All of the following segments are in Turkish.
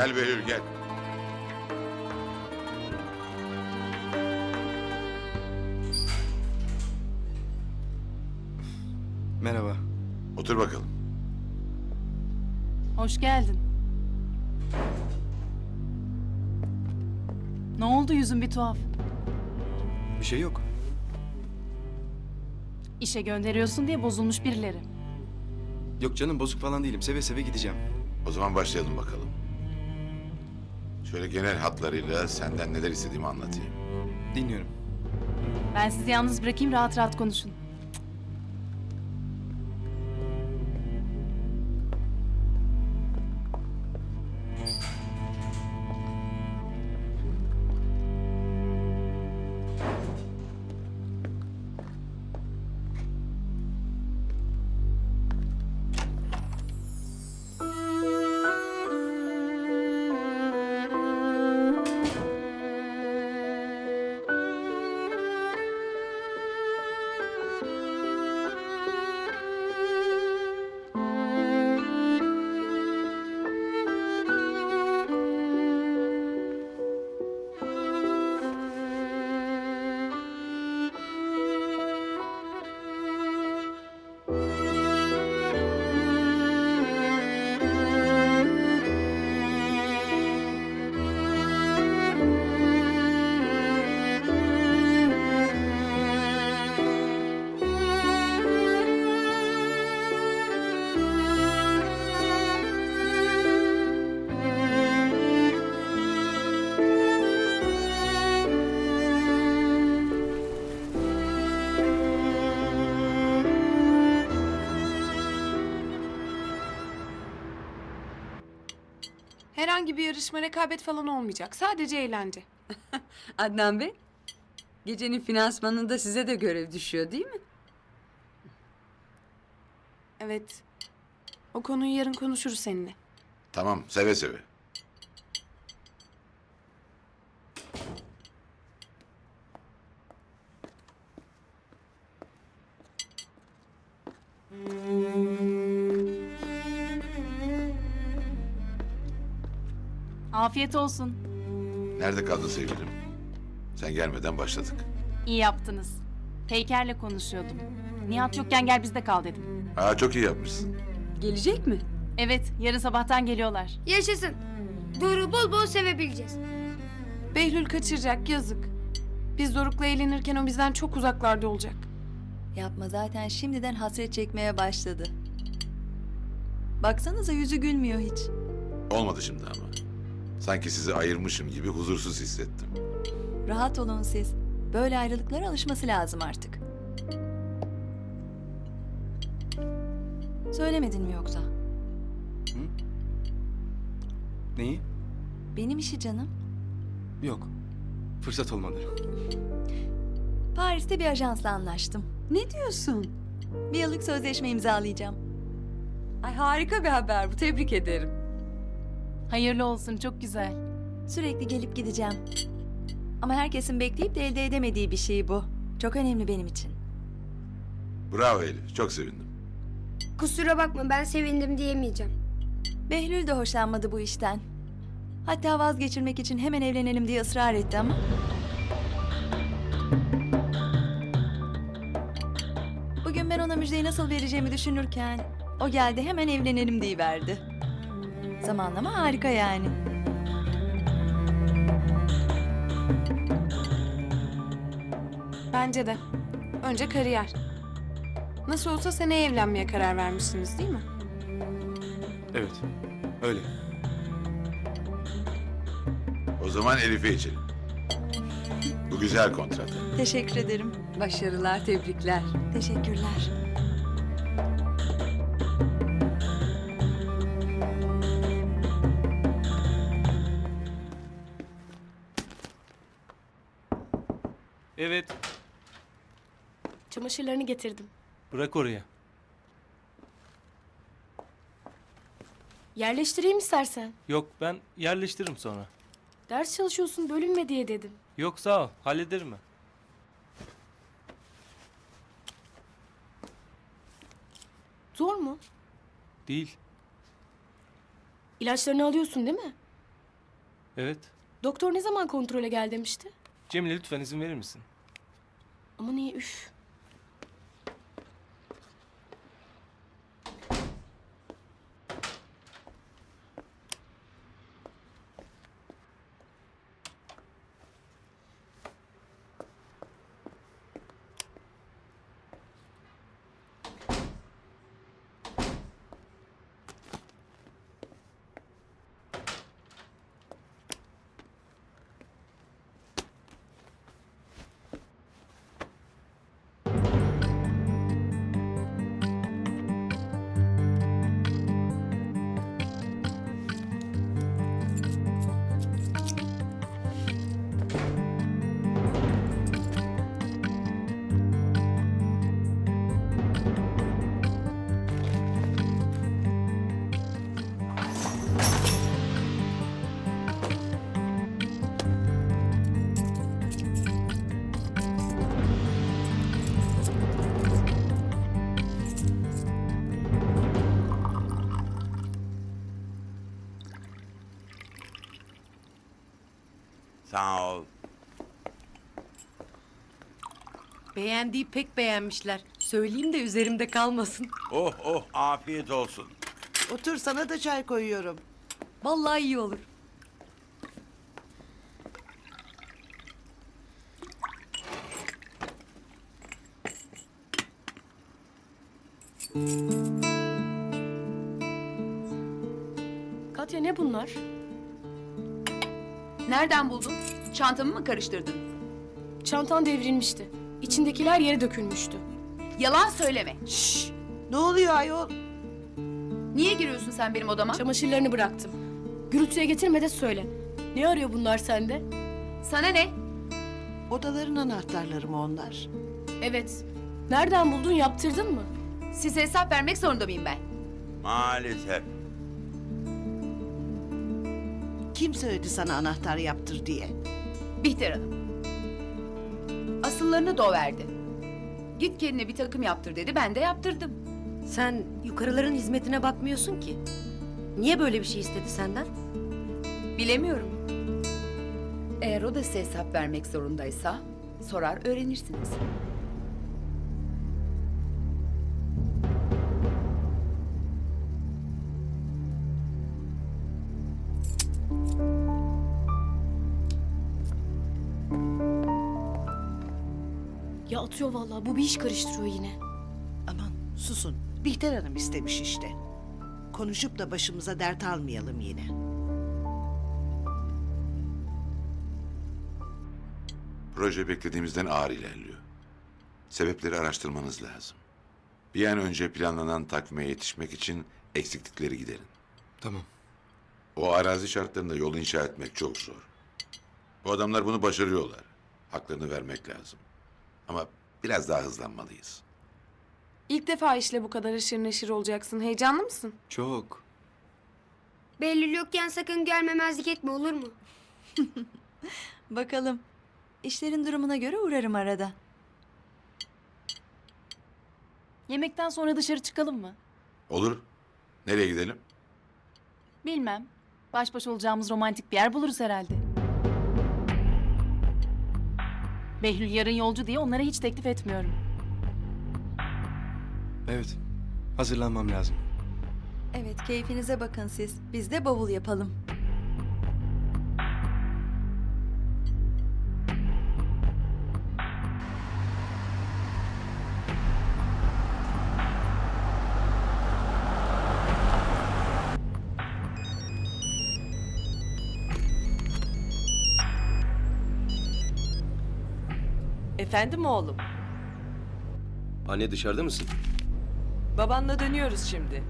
Gel Behlül gel. Merhaba. Otur bakalım. Hoş geldin. Ne oldu, yüzün bir tuhaf? Bir şey yok. İşe gönderiyorsun diye bozulmuş birileri. Yok canım, bozuk falan değilim. Seve seve gideceğim. O zaman başlayalım bakalım. Şöyle genel hatlarıyla senden neler istediğimi anlatayım. Dinliyorum. Ben sizi yalnız bırakayım, rahat rahat konuşun. Herhangi bir yarışma, rekabet falan olmayacak. Sadece eğlence. Adnan Bey, gecenin finansmanında size de görev düşüyor değil mi? Evet. O konuyu yarın konuşuruz seninle. Tamam, seve seve. Afiyet olsun. Nerede kaldın sevgilim? Sen gelmeden başladık. İyi yaptınız. Peyker'le konuşuyordum. Nihat yokken gel bizde kal dedim. Aa, çok iyi yapmışsın. Gelecek mi? Evet, yarın sabahtan geliyorlar. Yaşasın. Doruk'u bol bol sevebileceğiz. Behlül kaçıracak, yazık. Biz Doruk'la eğlenirken o bizden çok uzaklarda olacak. Yapma, zaten şimdiden hasret çekmeye başladı. Baksanıza, yüzü gülmüyor hiç. Olmadı şimdi ama. Sanki sizi ayırmışım gibi huzursuz hissettim. Rahat olun siz. Böyle ayrılıklara alışması lazım artık. Söylemedin mi yoksa? Neyi? Benim işi canım. Yok. Fırsat olmadı. Paris'te bir ajansla anlaştım. Ne diyorsun? Bir yıllık sözleşme imzalayacağım. Ay harika bir haber bu, tebrik ederim. Hayırlı olsun, çok güzel. Sürekli gelip gideceğim. Ama herkesin bekleyip de elde edemediği bir şey bu. Çok önemli benim için. Bravo Elif, çok sevindim. Kusura bakma ben sevindim diyemeyeceğim. Behlül de hoşlanmadı bu işten. Hatta vazgeçirmek için hemen evlenelim diye ısrar etti ama... Bugün ben ona müjdeyi nasıl vereceğimi düşünürken... O geldi, hemen evlenelim diyiverdi. Zamanlama harika yani. Bence de. Önce kariyer. Nasıl olsa seneye evlenmeye karar vermişsiniz değil mi? Evet. Öyle. O zaman Elif'e içelim. Bu güzel kontrat. Teşekkür ederim. Başarılar, tebrikler. Teşekkürler. Evet, Çamaşırlarını getirdim. bırak oraya. Yerleştireyim istersen. Yok, ben yerleştiririm sonra. Ders çalışıyorsun bölünme diye dedim. Yok sağ ol, hallederim ben. Zor mu? Değil. İlaçlarını alıyorsun değil mi? Evet. Doktor ne zaman kontrole gel demişti? Cemile lütfen izin verir misin? Ama niye üf. Sağ ol. Beğendiği pek beğenmişler. Söyleyeyim de üzerimde kalmasın. Oh oh afiyet olsun. Otur sana da çay koyuyorum. Vallahi iyi olur. Katya ne bunlar? Nereden buldun? Çantamı mı karıştırdın? Çantan devrilmişti. İçindekiler yere dökülmüştü. Yalan söyleme. Ne oluyor ayol? Niye giriyorsun sen benim odama? Çamaşırlarını bıraktım. Gürültüye getirme de söyle. Ne arıyor bunlar sende? Sana ne? Odaların anahtarları mı onlar? Evet. Nereden buldun, yaptırdın mı? Size hesap vermek zorunda mıyım ben? Maalesef. Kim söyledi sana anahtar yaptır diye? Bihter Hanım. Asıllarını da o verdi. Git kendine bir takım yaptır dedi, ben de yaptırdım. Sen yukarıların hizmetine bakmıyorsun ki. Niye böyle bir şey istedi senden? Bilemiyorum. Eğer o da size hesap vermek zorundaysa sorar öğrenirsiniz. Ya atıyor vallahi. Bu bir iş karıştırıyor yine. Aman susun. Bihter Hanım istemiş işte. Konuşup da başımıza dert almayalım yine. Proje beklediğimizden ağır ilerliyor. Sebepleri araştırmanız lazım. Bir an önce planlanan takvime yetişmek için eksiklikleri giderin. Tamam. O arazi şartlarında yol inşa etmek çok zor. Bu adamlar bunu başarıyorlar. Haklarını vermek lazım. Ama biraz daha hızlanmalıyız. İlk defa işle bu kadar aşırı neşir olacaksın. Heyecanlı mısın? Çok. Behlül yokken sakın gelmemezlik etme, olur mu? Bakalım. İşlerin durumuna göre uğrarım arada. Yemekten sonra dışarı çıkalım mı? Olur. Nereye gidelim? Bilmem. Baş başa olacağımız romantik bir yer buluruz herhalde. Behlül yarın yolcu diye onlara hiç teklif etmiyorum. Evet. Hazırlanmam lazım. Evet, keyfinize bakın siz. Biz de bavul yapalım. Efendim oğlum. Anne dışarıda mısın? Babanla dönüyoruz şimdi.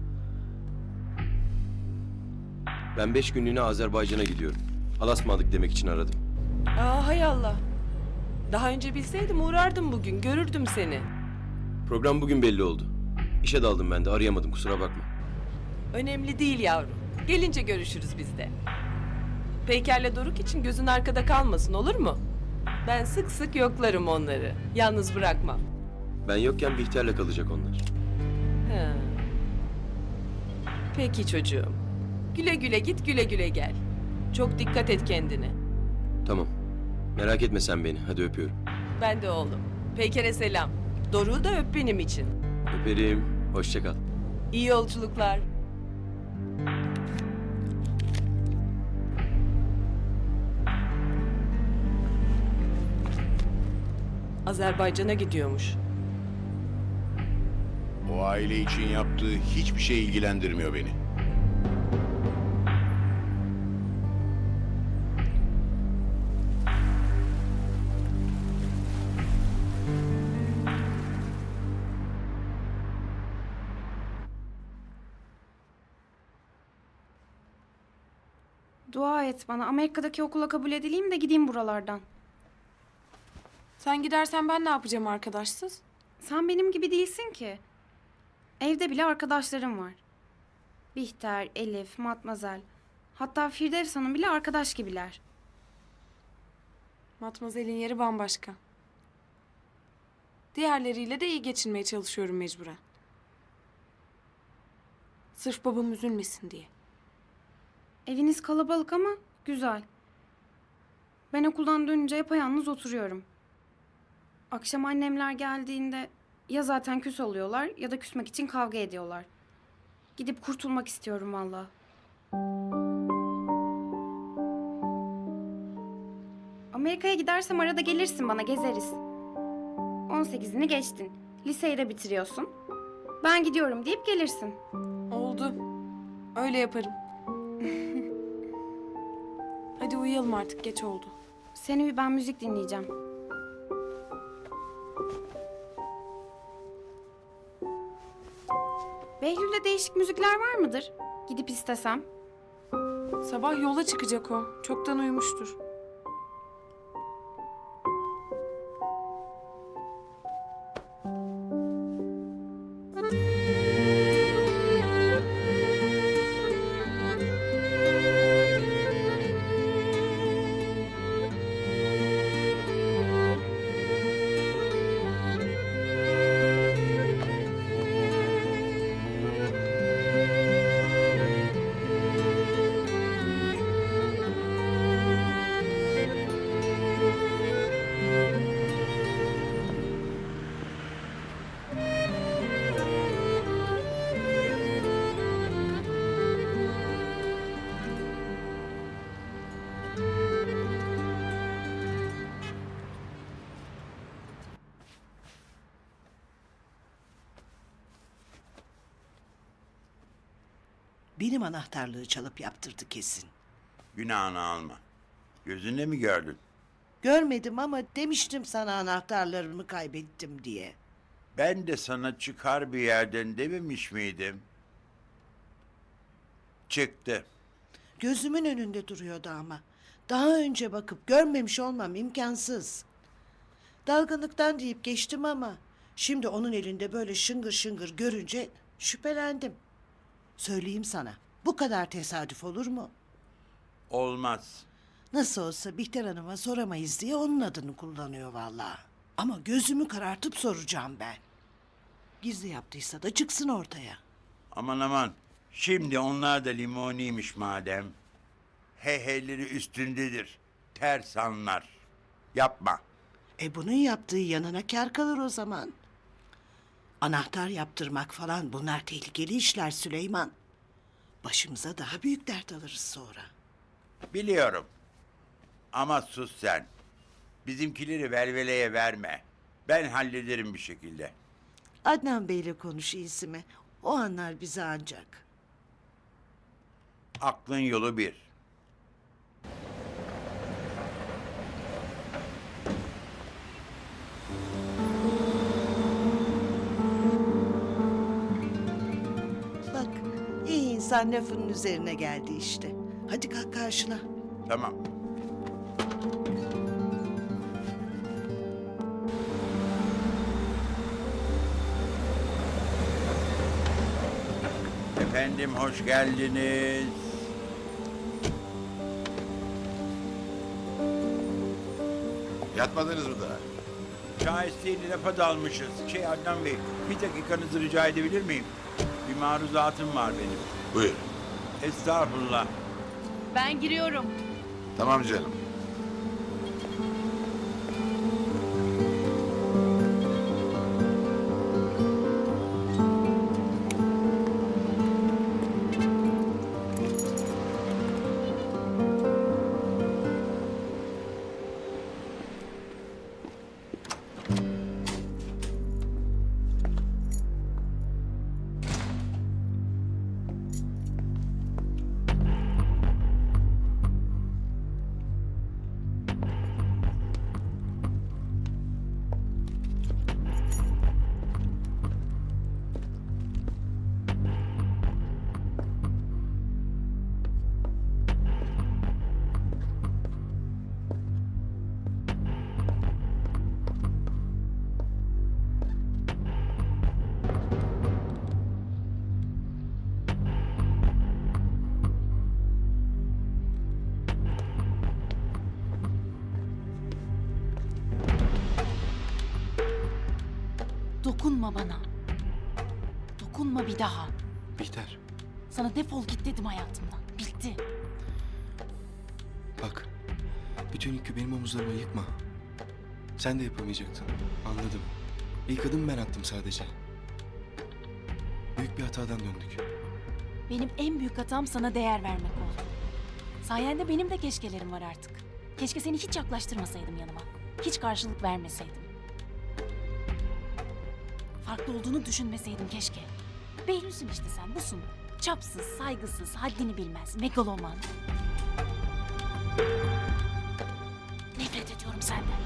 Ben 5 günlüğüne Azerbaycan'a gidiyorum. Alasmadık demek için aradım. Aa hay Allah. Daha önce bilseydim uğrardım bugün. Görürdüm seni. Program bugün belli oldu. İşe daldım ben de arayamadım kusura bakma. Önemli değil yavrum. Gelince görüşürüz biz de. Peyker'le Doruk için gözün arkada kalmasın olur mu? Ben sık sık yoklarım onları. Yalnız bırakmam. Ben yokken Bihter'le kalacak onlar. He. Peki çocuğum. Güle güle git, güle güle gel. Çok dikkat et kendine. Tamam. Merak etme sen beni. Hadi öpüyorum. Ben de oğlum. Peyker'e selam. Doruk'u da öp benim için. Öperim. Hoşça kal. İyi yolculuklar. Azerbaycan'a gidiyormuş. O aile için yaptığı hiçbir şey ilgilendirmiyor beni. Dua et bana. Amerika'daki okula kabul edileyim de gideyim buralardan. Sen gidersen ben ne yapacağım arkadaşsız? Sen benim gibi değilsin ki. Evde bile arkadaşlarım var. Bihter, Elif, Matmazel. Hatta Firdevs Hanım bile arkadaş gibiler. Matmazel'in yeri bambaşka. Diğerleriyle de iyi geçinmeye çalışıyorum mecburen. Sırf babam üzülmesin diye. Eviniz kalabalık ama güzel. Ben okuldan dönünce yapayalnız oturuyorum. Akşam annemler geldiğinde ya zaten küs oluyorlar ya da küsmek için kavga ediyorlar. Gidip kurtulmak istiyorum valla. Amerika'ya gidersem arada gelirsin bana gezeriz. 18'ini geçtin. Liseyi de bitiriyorsun. Ben gidiyorum deyip gelirsin. Oldu. Öyle yaparım. Hadi uyuyalım artık, geç oldu. Sen uyu, ben müzik dinleyeceğim. Behlül'de değişik müzikler var mıdır? Gidip istesem. Sabah yola çıkacak o. Çoktan uyumuştur. Benim anahtarlığı çalıp yaptırdı kesin. Günahını alma. Gözünde mi gördün? Görmedim ama demiştim sana anahtarlarımı kaybettim diye. Ben de sana çıkar bir yerden dememiş miydim? Çıktı. Gözümün önünde duruyordu ama. Daha önce bakıp görmemiş olmam imkansız. Dalgınlıktan deyip geçtim ama şimdi onun elinde böyle şıngır şıngır görünce şüphelendim. Söyleyeyim sana, bu kadar tesadüf olur mu? Olmaz. Nasıl olsa Bihter Hanım'a soramayız diye onun adını kullanıyor vallahi. Ama gözümü karartıp soracağım ben. Gizli yaptıysa da çıksın ortaya. Aman aman. Şimdi onlar da limoniymiş madem. Heyheyleri üstündedir. Ters anlar. Yapma. Bunun yaptığı yanına kâr kalır o zaman. Anahtar yaptırmak falan bunlar tehlikeli işler Süleyman. Başımıza daha büyük dert alırız sonra. Biliyorum. Ama sus sen. Bizimkileri velveleye verme. Ben hallederim bir şekilde. Adnan Bey'le konuş iyisi mi? O anlar bizi ancak. Aklın yolu bir. Bak iyi insan lafının üzerine geldi işte. Hadi kalk karşına. Tamam. Efendim hoş geldiniz. Yatmadınız mı daha? Şahesliğini lafa dalmışız. Adnan Bey, bir dakikanızı rica edebilir miyim? Bir maruzatım var benim. Buyur. Estağfurullah. Ben giriyorum. Tamam canım. Dokunma bana. Dokunma bir daha. Bihter, Sana defol git dedim hayatımdan. Bitti. bak. Bütün yükü benim omuzlarıma yıkma. Sen de yapamayacaktın. Anladım. İlk adım ben attım sadece. Büyük bir hatadan döndük. Benim en büyük hatam sana değer vermek oldu. Sayende benim de keşkelerim var artık. Keşke seni hiç yaklaştırmasaydım yanıma. Hiç karşılık vermeseydim. Farklı olduğunu düşünmeseydim keşke. Behlülsün işte sen, busun. Çapsız, saygısız, haddini bilmez, megaloman. Nefret ediyorum senden.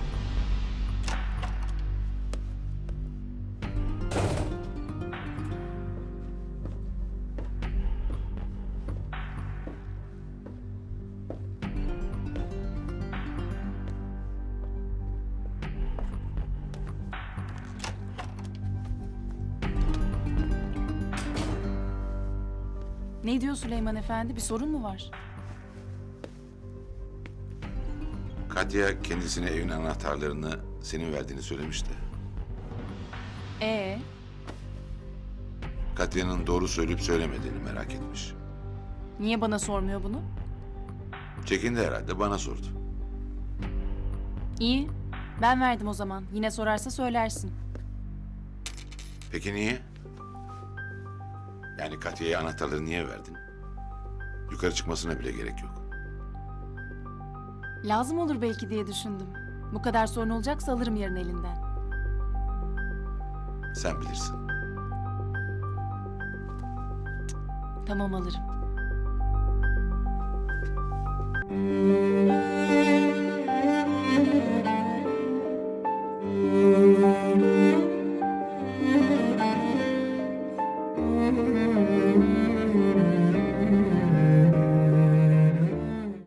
Ne diyor Süleyman Efendi? Bir sorun mu var? Katya kendisine evin anahtarlarını senin verdiğini söylemişti. Katya'nın doğru söyleyip söylemediğini merak etmiş. Niye bana sormuyor bunu? Çekindi herhalde, bana sordu. İyi. Ben verdim o zaman. Yine sorarsa söylersin. Peki niye? Yani Katya'ya anahtarları niye verdin? Yukarı çıkmasına bile gerek yok. Lazım olur belki diye düşündüm. Bu kadar sorun olacaksa alırım yarın elinden. Sen bilirsin. Tamam alırım.